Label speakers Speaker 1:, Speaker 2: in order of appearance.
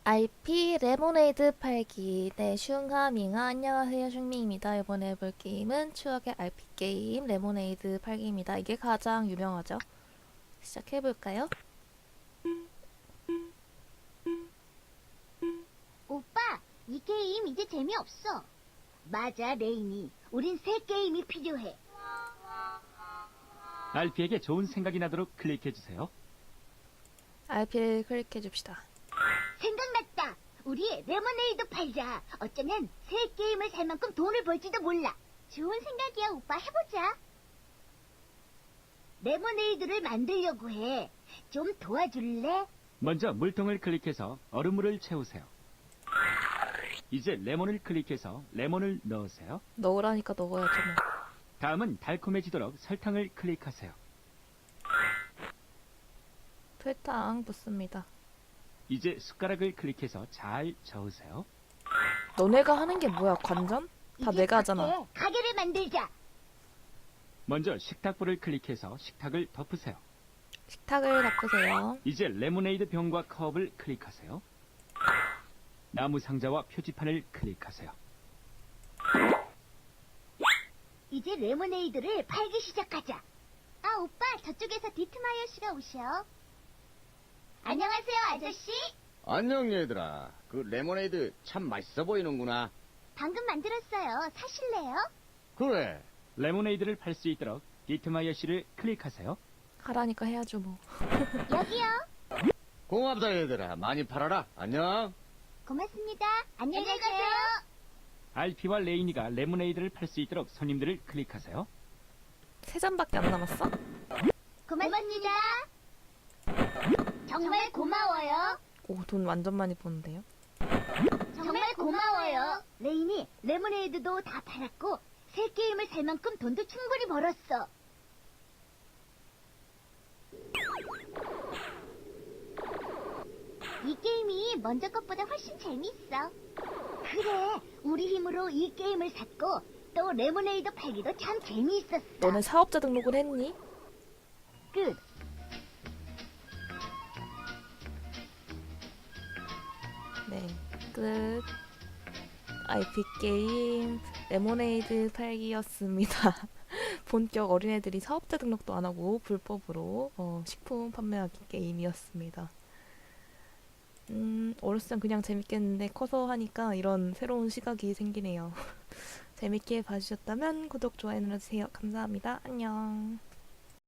Speaker 1: IP 레모네이드 팔기. 네, 슝하밍아 안녕하세요, 슝밍입니다. 이번에 해볼 게임은 추억의 RP 게임 레모네이드 팔기입니다. 이게 가장 유명하죠. 시작해볼까요?
Speaker 2: 오빠, 이 게임 이제 재미없어. 맞아, 레이니. 우린 새 게임이 필요해.
Speaker 3: RP에게 좋은 생각이 나도록 클릭해주세요.
Speaker 1: RP를 클릭해줍시다.
Speaker 2: 생각났다. 우리 레모네이드 팔자. 어쩌면 새 게임을 살 만큼 돈을 벌지도 몰라. 좋은 생각이야, 오빠. 해보자. 레모네이드를 만들려고 해. 좀 도와줄래?
Speaker 3: 먼저 물통을 클릭해서 얼음물을 채우세요. 이제 레몬을 클릭해서 레몬을 넣으세요.
Speaker 1: 넣으라니까 넣어야죠 뭐.
Speaker 3: 다음은 달콤해지도록 설탕을 클릭하세요.
Speaker 1: 설탕 붓습니다.
Speaker 3: 이제 숟가락을 클릭해서 잘 저으세요.
Speaker 1: 너네가 하는 게 뭐야, 관전? 다
Speaker 2: 이제
Speaker 1: 내가 하잖아.
Speaker 2: 밖에 가게를 만들자.
Speaker 3: 먼저 식탁불을 클릭해서 식탁을 덮으세요.
Speaker 1: 식탁을 덮으세요.
Speaker 3: 이제 레모네이드 병과 컵을 클릭하세요. 나무 상자와 표지판을 클릭하세요.
Speaker 2: 이제 레모네이드를 팔기 시작하자. 아, 오빠, 저쪽에서 디트마이어 씨가 오셔. 안녕하세요, 아저씨.
Speaker 4: 안녕 얘들아. 그 레모네이드 참 맛있어 보이는구나.
Speaker 2: 방금 만들었어요. 사실래요?
Speaker 4: 그래.
Speaker 3: 레모네이드를 팔 수 있도록 디트마이어 씨를 클릭하세요.
Speaker 1: 하라니까 해야죠 뭐.
Speaker 2: 여기요.
Speaker 4: 고맙다 얘들아. 많이 팔아라. 안녕.
Speaker 2: 고맙습니다. 안녕히 가세요.
Speaker 3: RP와 레이니가 레모네이드를 팔 수 있도록 손님들을 클릭하세요.
Speaker 1: 3잔밖에 안 남았어?
Speaker 2: 고맙습니다. 정말 고마워요.
Speaker 1: 오, 돈 완전 많이 버는데요?
Speaker 2: 정말 고마워요. 레인이 레모네이드도 다 팔았고 새 게임을 살 만큼 돈도 충분히 벌었어. 이 게임이 먼저 것보다 훨씬 재밌어. 그래, 우리 힘으로 이 게임을 샀고 또 레모네이드 팔기도 참 재미있었어.
Speaker 1: 너네 사업자 등록을 했니?
Speaker 2: 끝.
Speaker 1: 네, 끝. IP 게임 레모네이드 팔기였습니다. 본격 어린애들이 사업자 등록도 안 하고 불법으로 식품 판매하기 게임이었습니다. 어렸을 땐 그냥 재밌겠는데 커서 하니까 이런 새로운 시각이 생기네요. 재밌게 봐주셨다면 구독, 좋아요 눌러주세요. 감사합니다. 안녕.